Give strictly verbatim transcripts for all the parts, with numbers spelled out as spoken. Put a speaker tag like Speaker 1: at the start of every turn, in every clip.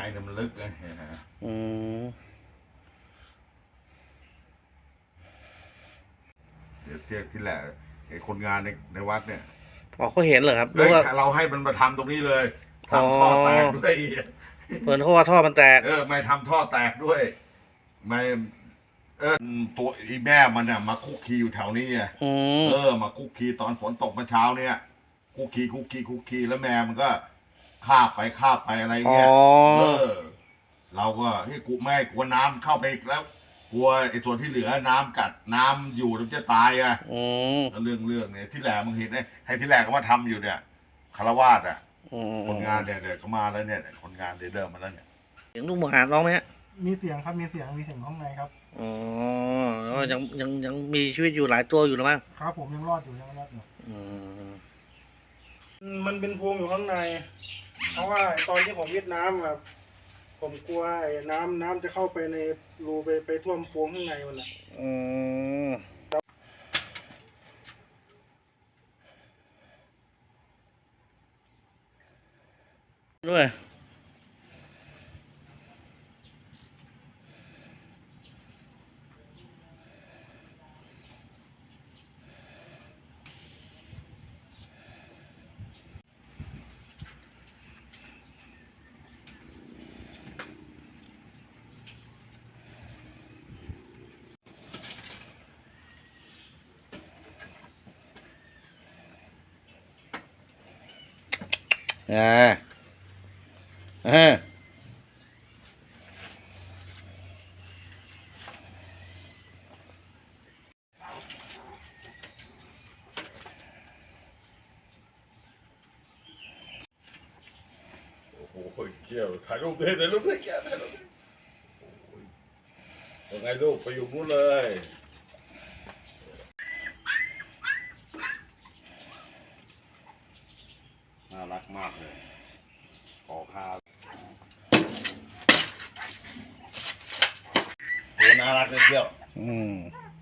Speaker 1: เนี่ยมันลึกไง
Speaker 2: อืม
Speaker 1: เดี๋ยวเทียบที่แหละไอ้คนงานในในวัดเนี่ย
Speaker 2: อ๋อเขาเห็นเหรอครับหรื
Speaker 1: เฮ้
Speaker 2: อยว่า
Speaker 1: เราให้มันมาทำตรงนี้เลย
Speaker 2: อ๋อ
Speaker 1: ทำท่อแตกด้วย
Speaker 2: เพิ่นเขาว่าท่อมันแตก
Speaker 1: เออไม่ทำท่อแตกด้วยไม่เออตัวอีแม่มันเนี่ยมาคุกคีอยู่แถวนี้ไง
Speaker 2: อืม
Speaker 1: เออมาคุกคีตอนฝนตกเมื่อเช้าเนี่ยคุกคีคุกคีคุกคีแล้วแม่มันก็คาบไปคาบไปอะไร
Speaker 2: อ๋อ
Speaker 1: เงี้ยเออเราก็เฮ้ยกูไม่กลัวน้ำเข้าไปอีกแล้ว กลัวไอ้ส่วนที่เหลือน้ำกัดน้ำอยู่แล้วจะตายอ่ะ
Speaker 2: อืม
Speaker 1: เรื่องเรื่องเนี่ยที่แหลมึงเห็นไอ้ให้ที่แหลก็มาทำอยู่เนี่ยคารวาสอ่ะ
Speaker 2: อืม
Speaker 1: คนงานเนี่ยเดี๋ยวเขามาแล้วเนี่ยคนงานเดี๋ยวเดิมมาแล้วเนี่ย
Speaker 2: เสียงลูกหมาร้องไหมฮะ
Speaker 3: มีเสียงครับมีเสียงมีเสียงข้างในครับ
Speaker 2: อ๋อแล้วยังยังยังมีชีวิตอยู่หลายตัวอยู่หรือมั้ง
Speaker 3: ครับผมยังรอดอยู่ยังรอดอยู่
Speaker 2: อืม
Speaker 3: มันเป็นพวงอยู่ข้างใน เพราะว่าตอนที่ผมวิทน้ำแบบผมกลัวไอ้น้ำน้ำจะเข้าไปในรูไปไปท่วมพวงข้างในมันนะ
Speaker 2: อืมด้วยอ่าอ่า
Speaker 1: โอ้โหเกี่ยวถ่ายรูปเลยถ่ายรูปเลยแกถ่ายรูปเลยยังไงลูกไปอยู่นู้นเลยน่ารักมากเลยขอข้าวโหน่ารักเลยเที่ยว
Speaker 2: อืม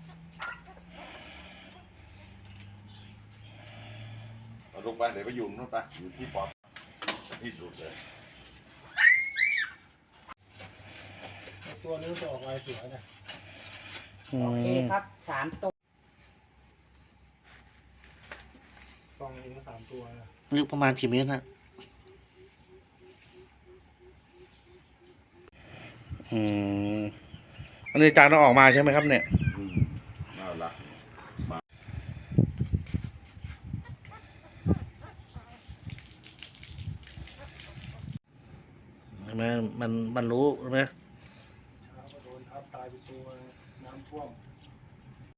Speaker 1: เอาลูกไปเดี๋ยวไปอยู่นู้นไปอยู่ที่ปอดที่สุดเลย
Speaker 3: ตัวนี้จะออกลายเสือเนี่ย
Speaker 4: โอเคครับสามตัว
Speaker 3: ซองเองก็สามตัวนะ
Speaker 2: ลึกประมาณกี่เมตรฮะอืมอันนี้จานต้องออกมาใช่ไหมครับเนี่ย
Speaker 1: อืมน่ารักมา
Speaker 2: ใช่ไหมมันมันรู้ใช่ไหม
Speaker 3: เช้าก็โดนทับตายไปตัวน้ำท่วม